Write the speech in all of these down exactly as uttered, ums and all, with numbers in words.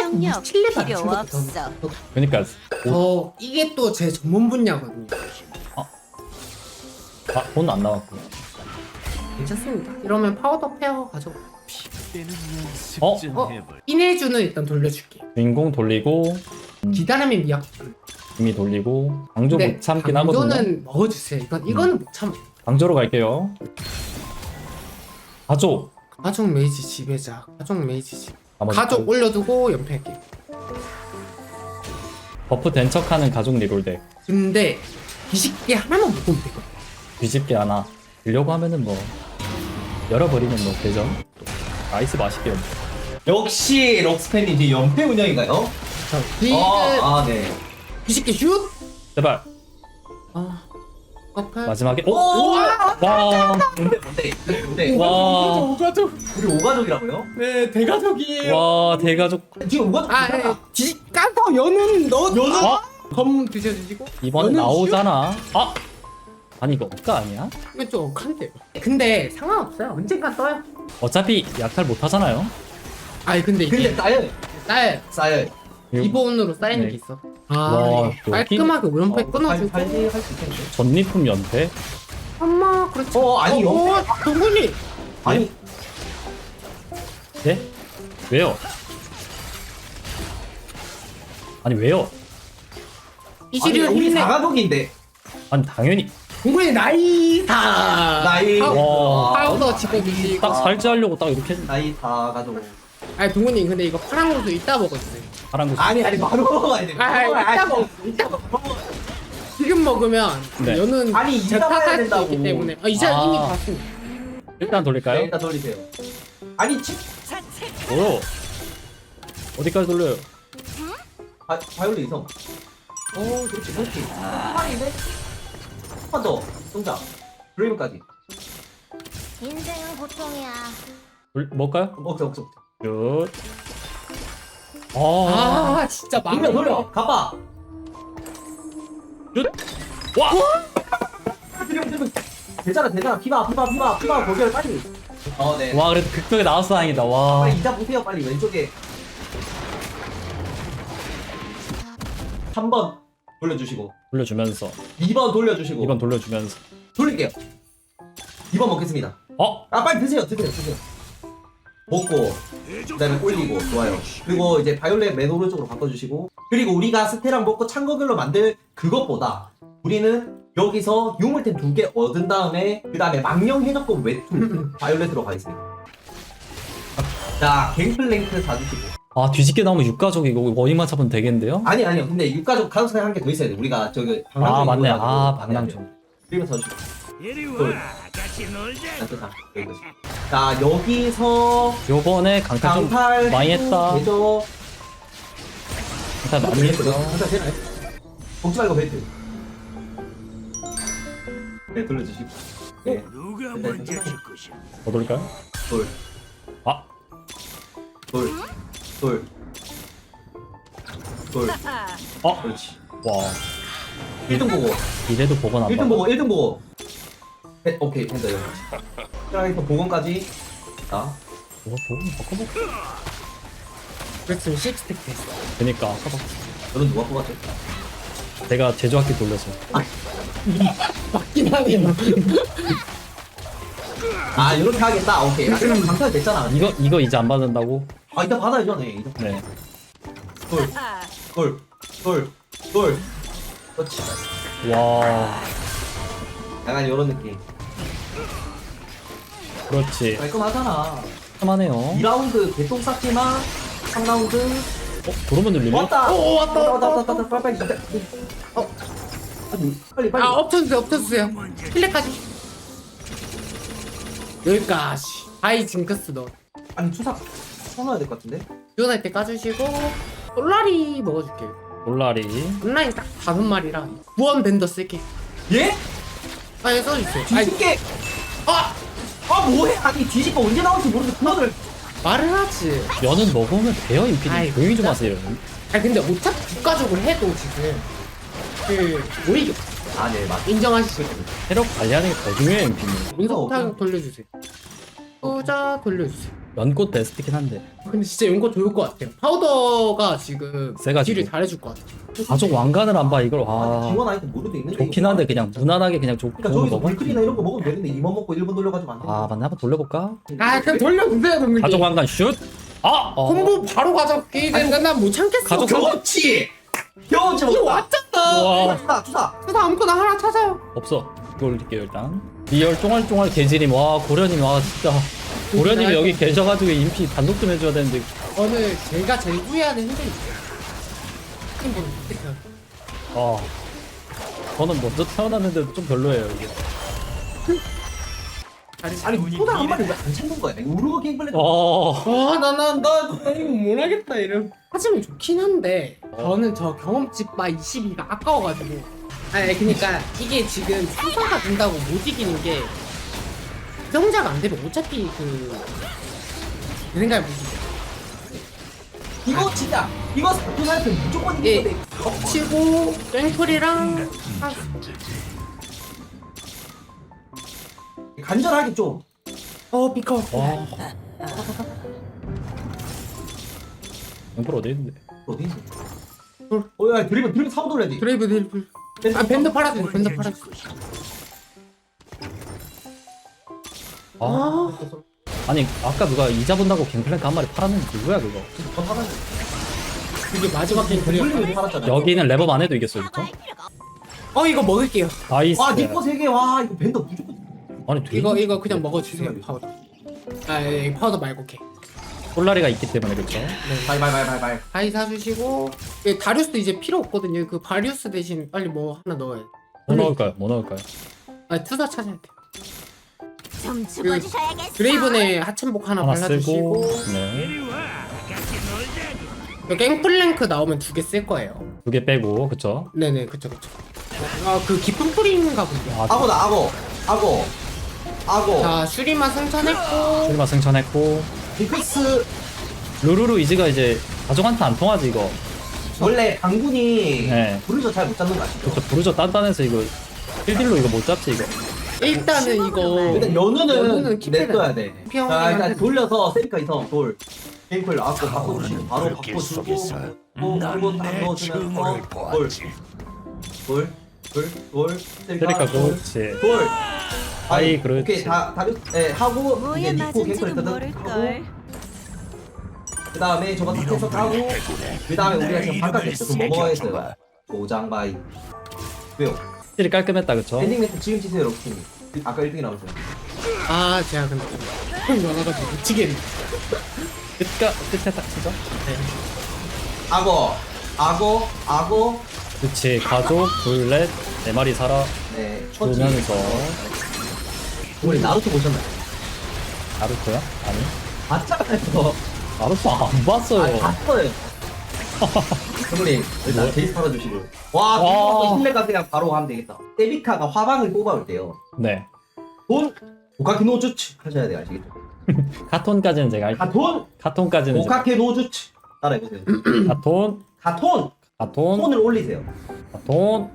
협력 칠레바 필요 친구들 없어. 더, 그러니까 더 이게 또 제 전문 분야거든요. 아, 돈 안 나왔고. 괜찮습니다. 이러면 파우더 페어 가져. 어? 어? 인해주는 일단 돌려줄게. 주인공 돌리고 기다림의 미약. 이미 돌리고 강조 근데 못 참긴 하거든요. 강조는 먹어주세요. 이건 이거는 못 참아. 강조로 갈게요. 가조. 가족 메이지 지배자. 가족 메이지 지. 나머지 가족 그 올려두고 연패할게. 버프 된 척하는 가족 리롤덱. 근데 뒤집게 하나만 묶으면 되거든. 뒤집게 하나. 들려고 하면은 뭐 열어버리면 뭐 되죠. 나이스 맛있게. 역시 록스팬이 이제 연패 운영인가요? 자, 뒤 아, 아, 네. 뒤집게 슛. 제발. 아, 아파. 마지막에 오! 오! 와! 뭔데, 뭔데, 뭔데? 와! 오가족. 우리 오가족이라고요? 네, 대가족이에요. 와, 대가족. 지금 오가족 아, 있잖아. 예. 뒤 까서 연은 넣어. 연은? 어? 검 드셔주시고. 이번에 연은 나오잖아. 아! 아니 이거 억까 아니야? 슛? 이거 좀 억한데요. 근데 상관없어요. 언젠가 떠요. 어차피 약탈 못 하잖아요. 아니 근데 이게 근데 쌓여요. 딸 쌓여요. 기본으로 쌓이는 네. 게 있어. 아, 와, 이게 깔끔하게 오른팔 끊어주고. 할수 있겠는데? 전리품 연패? 엄마, 그렇지. 어, 아니, 어, 어, 동근이. 아니, 네? 왜요? 아니 왜요? 이 아니, 시리얼 우리 힘내. 사가족인데. 아니 당연히 동근이 나이 다. 나이. 와. 파우더 집어주시고. 딱 살찌하려고 딱 이렇게 나이 다 가족. 아니 동근이 근데 이거 파란 고수 이따 먹어주세요. 하란 거. 아니, 아니, 바로 먹어야 돼. 아, 아, 이따 먹어. 이따 먹어. 지금 먹으면 네. 연은 아니, 이따 제가 봐야 탈수 된다고. 있기 때문에. 아, 이제 아. 이미 봤습니다. 일단 네, 돌릴까요? 일단 돌리세요. 아니, 치, 오. 어디까지 돌려요? 바, 바이올린 이성. 오, 그렇지, 그렇지. 한판인데? 한판 더. 동작. 드레이브까지. 인생은 고통이야. 돌 뭘까요? 억제, 억제, 억제. 굿. 아. 아, 진짜 막. 돌려, 돌려. 가봐. 굿. 와. 드리블, 드리블. 되잖아, 되잖아. 피바, 피바, 피바, 피바. 거기를 빨리. 어, 네. 와 그래도 극적에 나왔어 다행이다. 와. 빨리 이자 보세요, 빨리. 왼쪽에. 삼 번 돌려주시고. 돌려주면서 이 번 돌려주시고. 이 번 돌려주면서. 돌릴게요. 이 번 먹겠습니다. 어? 아, 빨리 드세요, 드세요, 드세요. 먹고, 그 다음에 올리고, 좋아요. 그리고 이제 바이올렛 맨 오른쪽으로 바꿔주시고, 그리고 우리가 스테랑 먹고 창거글로 만들 그것보다 우리는 여기서 유물템 두 개 얻은 다음에, 그 다음에 망령 해적권 외투 바이올렛으로 가겠습니다. 자, 갱플랭크 사주시고. 아 뒤집게 나오면 육가족 이거 원인만 잡으면 되겠는데요? 아니, 아니요. 근데 육가족 가능성이 한 개 더 있어야 돼. 우리가 저기, 아 맞네. 방랑종 아 해가지고. 방랑종. 그리고 사주시고. 둘. 자, 여기까지. 자, 여기서 요번에 강탈 좀 강탈 많이 했다. 해도 강탈 많이 했어. 강탈 되나요? 먹지 말고 벨트. 네, 돌려주시고. 네. 누가 네, 먼저 네. 줄 것이야? 더 돌릴까요? 돌, 아 돌, 돌, 돌. 어? 그렇지. 와 일 등 보고, 이래도 보건 안 일 등 봐. 보고, 일 등 보고. 네, 오케이, 된다, 여기까지. 트라이터 보건까지. 자, 이거 보건 바꿔볼까? 그랬으면 십스택 됐어. 그니까 너는 누가 뽑았죠? 내가 제조학기 돌려서. 맞긴 하네요. 아, 이렇게 하겠다. 오케이. 아, 그럼 강탈 됐잖아. 이거 이거 이제 안 받는다고? 아, 이따 받아야죠, 네. 이따. 네. 돌, 돌, 돌, 돌. 그렇지. 와 약간 이런 느낌. 그렇지. 깔끔하잖아. 참하네요. 이 라운드 개똥 쌌지만 삼 라운드 어 도로만 눌리네? 왔다. 오, 왔다, 왔다, 왔다, 왔다, 왔다, 빨리, 빨리. 어, 아니, 빨리, 빨리. 아, 엎쳐주세요, 엎쳐주세요. 필레까지. 여기까지. 아이 징크스 너. 아니, 투삭 써놔야 될 것 같은데? 지원할 때 까주시고 솔라리 먹어줄게요. 올라리. 온라인 딱 다섯 마리라 구원 밴더 쓸게. 예? 아예 써주세요. 아이, 뒤집게. 아, 아 뭐해? 아니 뒤집고 언제 나올지 모르는데 그거를. 말을 하지. 면은 먹으면 돼요 인피님. 아이, 조용히 좀 진짜? 하세요. 아니 근데 어차피 국가적으로 해도 지금 그 오히려 아, 네, 맞. 인정하시죠. 체력 관리하는 게 더 중요해요 인피님. 민속 타격 돌려주세요. 후자 돌려주세요. 연꽃 베스트긴 한데 근데 진짜 연꽃 좋을 것 같아요. 파우더가 지금 세가지고. 딜을 잘해줄 것 같아. 가족 왕관을 안 봐 이걸. 아, 와 지원 아이템 모르도 있는데. 좋긴 한데 그냥 무난하게 그냥 좋, 그러니까 좋은 저기서 거 먹어. 물클이나 이런 거 먹으면 되는데 이만 먹고 일 분 돌려가지고 안 돼. 아 맞네 한번 돌려볼까? 아 그럼 돌려주세요 동민이. 가족 왕관 슛! 아! 어. 콤보 바로 가져기 되는데 난못 참겠어. 가족 경험치! 경험치 이거 먹자. 왔잖아. 와 주사 주사. 그래서 아무거나 하나 찾아요. 없어. 이거 올릴게요 일단. 리얼 쫑알쫑알 개지님 와 고려님 와 진짜 고려님이 여기 계셔가지고 인피 단독 좀 해줘야 되는데 오늘 제가 제일 후회하는 행동이 있어요. 행동이 있어요. 아 저는 먼저 태어났는데도 좀 별로예요 이게. 아니 소다 한 마리 왜 안 찾는 거야? 우르고 게임플레이. 어 아나나나 이거 못하겠다 이름. 하지만 좋긴 한데 저는 저 경험치 바 이십이가 아까워가지고. 아니 그니까 이게 지금 수사가 된다고 못 이기는 게 정자가 안 되면 어차피 그 내 생각에 못 이겨. 이거 진짜 이거 사투 사이트 무조건 예. 이기는데. 치고 땡플이랑 아, 간절하게 좀. 어 비커. 와. 영플 어디 있는데? 어디 있어? 어, 야, 드리블, 드리블 사고 돌려야지. 드레이브 드리블. 아 밴드 팔아줘 밴드 팔아줘. 아 아 아니 아까 누가 이자 본다고 갱플랭크 한 마리 팔았는데 누구야 그거? 더 사가지. 이게 마지막 게임 드리블. 돌리면 팔았잖아. 여기는 랩업 안 해도 이겼어요 그쵸? 어 이거 먹을게요. 나이스. 와, 니꺼 세 개. 와, 이거 밴더 무조건. 아니 되게 이거 이거 그냥 먹어주세요 파우더. 아 예, 파우더 말고 개. 폴라리가 있기 때문에 그쵸? 바이, 바이, 바이, 바이, 바이. 바이 사주시고 예, 다리우스도 이제 필요 없거든요. 그 바리우스 대신 빨리 뭐 하나 넣어야 돼. 뭐 넣을까요? 뭐 넣을까요? 아 투사 찾아야 돼. 좀 죽어주셔야겠어. 드레이븐에 하천복 하나, 하나 발라주시고 쓰고 네. 그 갱플랭크 나오면 두 개 쓸 거예요. 두 개 빼고 그쵸? 네네 그쵸 그쵸. 아 그 깊은 뿌리인가 본데. 아 악어다, 악어. 악어. 악어. 자 슈리마 승천했고 출마 승천했고 디펙스. 루루루 이즈가 이제 가족한테 안 통하지 이거. 원래 방군이 네. 부르저 잘 못 잡는 거 아시죠? 그쵸 부르저 단단해서 이거 힐딜로 이거 못 잡지 이거. 일단은 이거 일단 연우는 연우는 킵해놔. 냅둬야 돼. 피하고 자, 일단 하는데. 돌려서 세리카 이성 돌. 게임콜 나왔고 바꿔주시고 바로 바꿔주고 또 그리고 딱 넣어주면서 돌. 돌. 돌. 돌. 그러니까 세리카 돌. 그렇지. 돌. 아이, 그렇지. 오케이 다 다리 예 하고 이제 뭐에 니코 맞은지는 갱콜 하고 모를걸. 그 다음에 저거 다 해서 하고 그 다음에 우리가 지금 바깥에 그럼 뭐 먹어야겠어요? 도장바이 왜요? 힐이 깔끔했다 그쵸? 엔딩 멘트 지금 치세요 럭키님. 아까 일 등이 나오세요. 아 제가 근데 형 많아가지고 미치겠네. 끝까 끝에 딱 치죠? 악어 악어 악어 그치 가족 둘넷 네 마리 살아 네 처치. 주면서 우리 나루토 보셨나요? 나루토야? 아니 봤잖아요. 나루토 안 봤어요. 아 봤어요. 선생님 일단 뭐? 제이스 팔아주시고 와 와. 이거 신뢰가 그냥 바로 가면 되겠다. 세비카가 화방을 뽑아올 때요 네 돈 고카키 노주츠 하셔야 돼요 아시겠죠? 카톤까지는 제가 할게요. 가톤 카톤까지는 제가 고카케 노주츠 따라해보세요. 카톤 가톤 카톤 톤을 올리세요. 카톤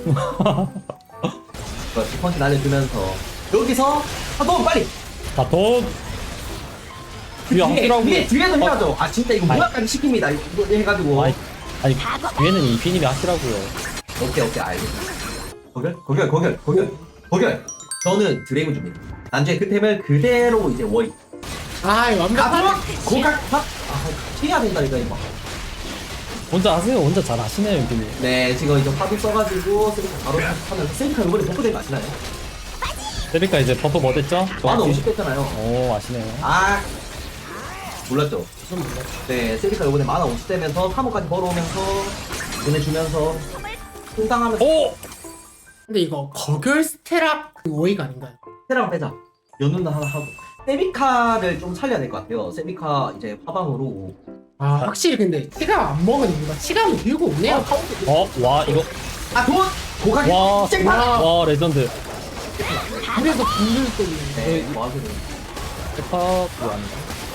그 스펀지 날려주면서 여기서 가톤 빨리 카톤 위에 뒤에 하시라고 뒤에 뒤에도 해야죠. 아 진짜 이거 아이. 무화과를 시킵니다. 이거 해가지고 아니 아니 뒤에는 이피님이 하시라고요. 오케이 오케이 알겠습니다. 거결 거결 거결 거결 거결. 저는 드레이브 줍니다. 나중에 그 템을 그대로 이제 워이 아 완벽하네. 가톤 고각 탑. 아 해야 된다니까 이거. 혼자 하세요. 혼자 잘 하시네요 이분이. 네 지금 이제 화도 써가지고 세리카 바로 하면서 세리카 이번에 버프된 거 아시나요? 세비카 이제 버프 뭐 됐죠? 만 오십 됐잖아요. 오 아시네요. 아 몰랐죠? 네 세리카 이번에 만화 오십 되면서 삼 호까지 벌어오면서 보내주면서 충당하면서 오! 근데 이거 거결 스테락 그 오이가 아닌가요? 테랑 빼자. 연운도 하나 하고 세비카를 좀 살려야 될 것 같아요. 세비카 이제 화방으로 아 확실히 근데 치감 안 먹은 이유가 치감이 들고 오네요. 어? 와 이거 아돈 고가게 와, 쨍파. 와 레전드. 그래서 분들 때문에. 네 뭐하세요? 페파 그거 아닌가?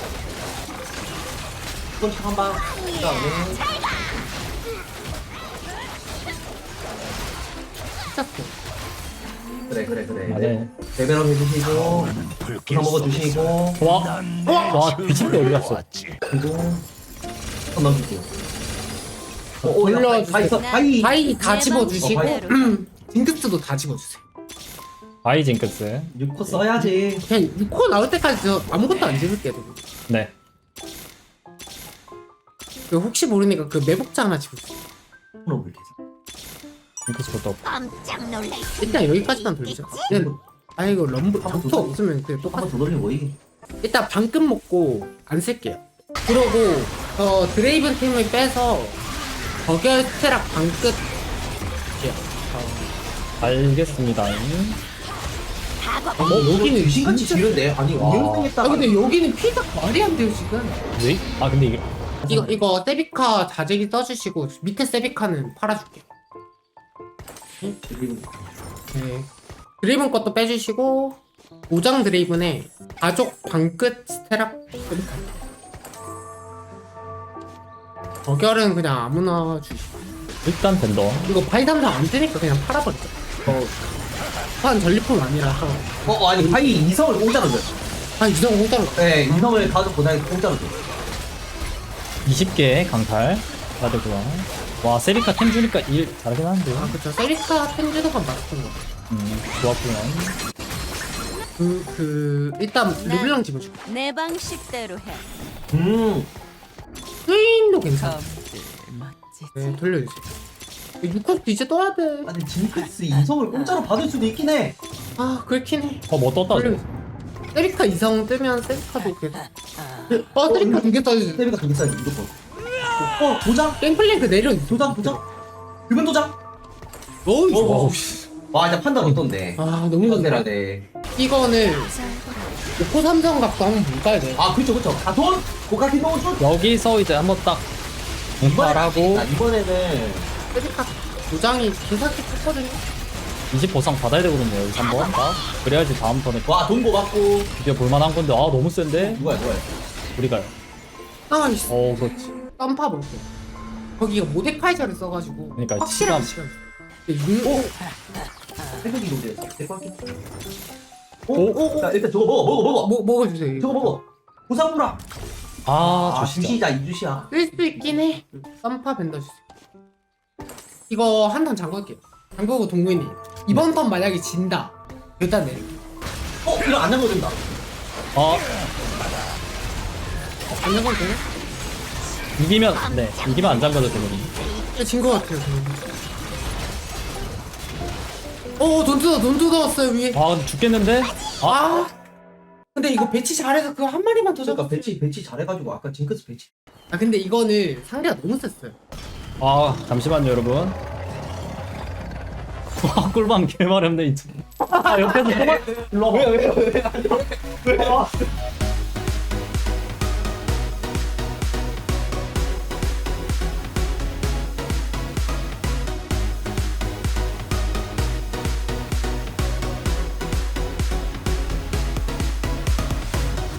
이건 한 방. 그다음에 미쳤어. 그래 그래 그래. 아, 네. 네. 레벨업 해주시고 구상 먹어주시고 와, 와, 미친데 어디 갔어? 그리고 한 넘길게요. 어, 어, 올려주세요. 다 있어. 바이. 바이 다 집어주시고 어, 바이. 징크스도 다 집어주세요. 바이 징크스. 육 코 써야지. 그냥 육 코 나올 때까지 저 아무것도 안 집을게요. 네. 그 혹시 모르니까 그 매복자 하나 집을게요. 그럼 이렇게. 징크스부터. 깜짝 놀랄 일단 여기까지만 돌리자. 그냥 아 이거 럼블 한번 적토 더 없으면 그냥 똑같아. 한번 더 돌리면 뭐이? 일단 방금 먹고 안 쓸게요. 그러고 어 드레이븐 팀을 빼서 버결 스테락 방끝 할게요. 알겠습니다. 각오. 어, 여기는 귀신같이 진짜- 지른데 아니 와. 아 운영생했다가 근데 여기는 피가 말이 안 돼요 지금. 왜? 아 근데 이게 이거 이거 세비카 자재기 써주시고 밑에 세비카는 팔아줄게요. 네. 드레이븐 것도 빼주시고 오장 드레이븐에 가족 방끝 스테락 세비카. 버결은 그냥 아무나 주시고 일단 벤더. 이거 바이 삼성 안 뜨니까 그냥 팔아버리죠. 어, 판 전리품 아니라서 어, 어 아니 바이 이성을 공짜로 줘요. 아 이성 공짜로 네 이성을 가족 보다니 공짜로 줘요. 이십 개 강탈 받으고요. 와 세리카 템 주니까 일 잘하긴 하는데요. 아 그쵸 세리카 텐즈도가 맞았던 거. 음 좋았구요. 그, 그 일단 르블랑 집어줄게. 내 방식대로 해. 음 스윈도 괜찮아. 검들 멋지지. 네 돌려주세요. 육 컷도 이제 떠야 돼. 아니 징크스 이성을 공짜로 받을 수도 있긴 해. 아 그렇긴 해. 어뭐 떴다. 돌려주세요. 세리카 이성 뜨면 세리카도 계속. 어 세리카 두 개 떠주세요. 세비가 두 개 써야지 무조건. 어 도장? 갱플랭크 내려. 도장 도장? 금연 도장? 어이 어, 와우. 어. 와 이제 판단 어떤데? 아 너무 이건 좋네. 내라 돼. 이거는 오코 삼성 각도 한번 볼까야 돼. 아 그쵸 그쵸. 가돈 고가키 노준. 여기서 이제 한번 딱 강탈하고 아, 이번에는 세리카 도장이 개사기 컸거든요. 이십 보상 받아야 되거든요. 여기서 한번 딱. 그래야지 다음 턴에 와 돈 고받고 드디어 볼만한 건데 아 너무 센데 누가야 누가야? 우리가요. 아이씨. 어 그렇지. 썸파 볼게. 거기가 모데카이저를 써가지고 그러니까 확실한 시간. 시간. 근데 육- 새벽이 노래였어. 대박이. 오? 오? 자 일단 저거 먹어 먹어 먹어. 뭐 먹어주세요. 이거. 저거 먹어. 보상무라. 아 아 주시자. 주시자 이주시야. 쓸 수 있긴 해. 썸파 벤더 주세요. 이거 한 턴 잠글게요. 잠그고 동근이 이번 턴 만약에 진다. 일단 내릴게. 어 이거 안 잠궈진다. 아 안 잠궈도 되나? 이기면 네 이기면 안 잠가도 되거든요. 진거 같아요. 저는. 어, 돈 뜯어, 돈 뜯어왔어요 위에. 아 근데 죽겠는데? 아, 근데 이거 배치 잘해서 그거 한 마리만 더 그러니까 잡았어요. 배치 배치 잘해가지고 아까 징크스 배치. 아, 근데 이거는 상대가 너무 셌어요. 아 잠시만요 여러분. 와 꿀밤 개말 없네 이제. 아 옆에서 꿀밤. 일로 와봐. 왜왜왜 왜? 왜? 왜?